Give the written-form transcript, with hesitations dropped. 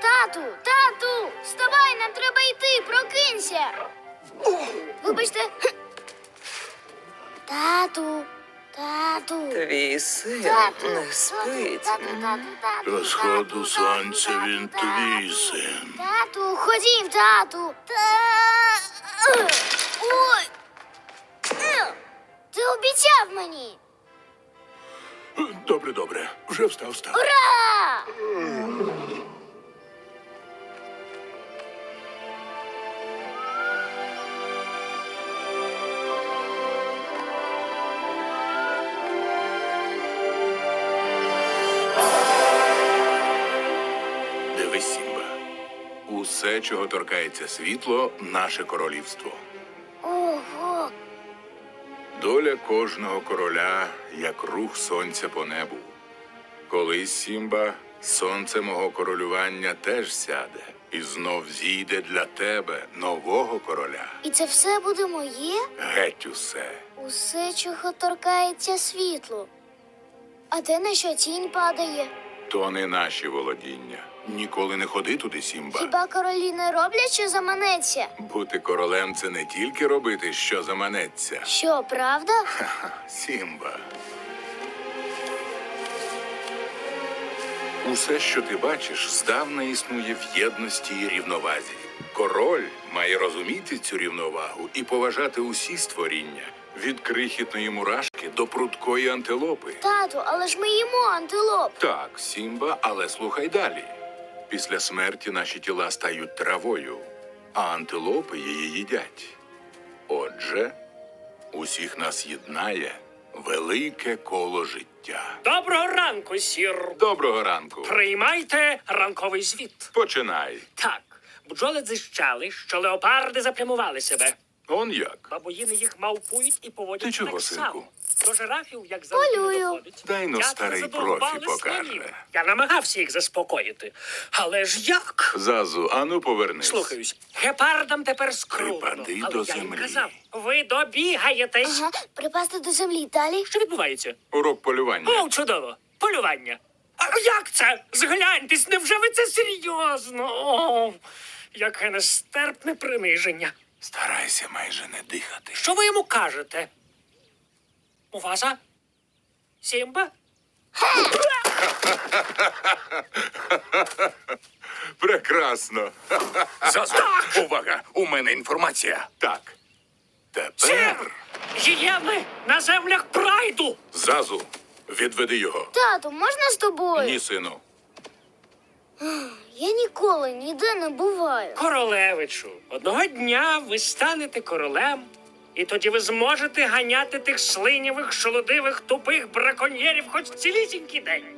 Тату, вставай, нам треба йти, прокинься. Вибачте. Тату. Твій син не спить. До сходу сонця він твій син. Тату, ходім, тату. Ой. Ти обіцяв мені. Добре. Вже встав. Ура! Дивись, Сімба. Усе, чого торкається світло, наше королівство. Ого. Доля кожного короля, як рух сонця по небу. Колись, Сімба, сонце мого королювання теж сяде. І знов зійде для тебе нового короля. І це все буде моє? Геть усе. Усе, чого торкається світло. А те, на що тінь падає? То не наші володіння. Ніколи не ходи туди, Сімба. Хіба королі не роблять, що заманеться? Бути королем – це не тільки робити, що заманеться. Що, правда? Сімба. Усе, що ти бачиш, здавна існує в єдності і рівновазі. Король має розуміти цю рівновагу і поважати усі створіння. Від крихітної мурашки до прудкої антилопи. Тату, але ж ми їмо антилоп. Так, Сімба, але слухай далі. Після смерті наші тіла стають травою, а антилопи її їдять. Отже, усіх нас єднає велике коло життя. Доброго ранку, сір. Доброго ранку. Приймайте ранковий звіт. Починай. Так, бджоли дзищали, що леопарди заплямували себе. Он як? Бабуїни їх мавпують і поводять Ти чого, так синку? само. До жирафів, як завжди, Полюю. не доходить. Дай но Дятли старий задовбали профі покаже. свинів. Я намагався їх заспокоїти. Але ж як? Зазу, ану повернись. Слухаюсь, гепардам тепер скрутно. Припади Але до я їм землі. казав, ви добігаєтесь. Ага, припасти до землі далі. Що відбувається? Урок полювання. О, чудово! Полювання. А як це? Згляньтесь, невже ви це серйозно? О, яке нестерпне приниження. Старайся майже не дихати. Що ви йому кажете? Муфаса? Сімба? Прекрасно. Зазу, увага! У мене інформація. Так. Сер! Тепер. Гієни на землях прайду! Зазу, відведи його. Тату, можна з тобою? Ні, сину. Я ніколи ніде не буваю. Королевичу, одного дня ви станете королем, і тоді ви зможете ганяти тих слинявих, шолодивих, тупих браконьєрів хоч цілісінький день.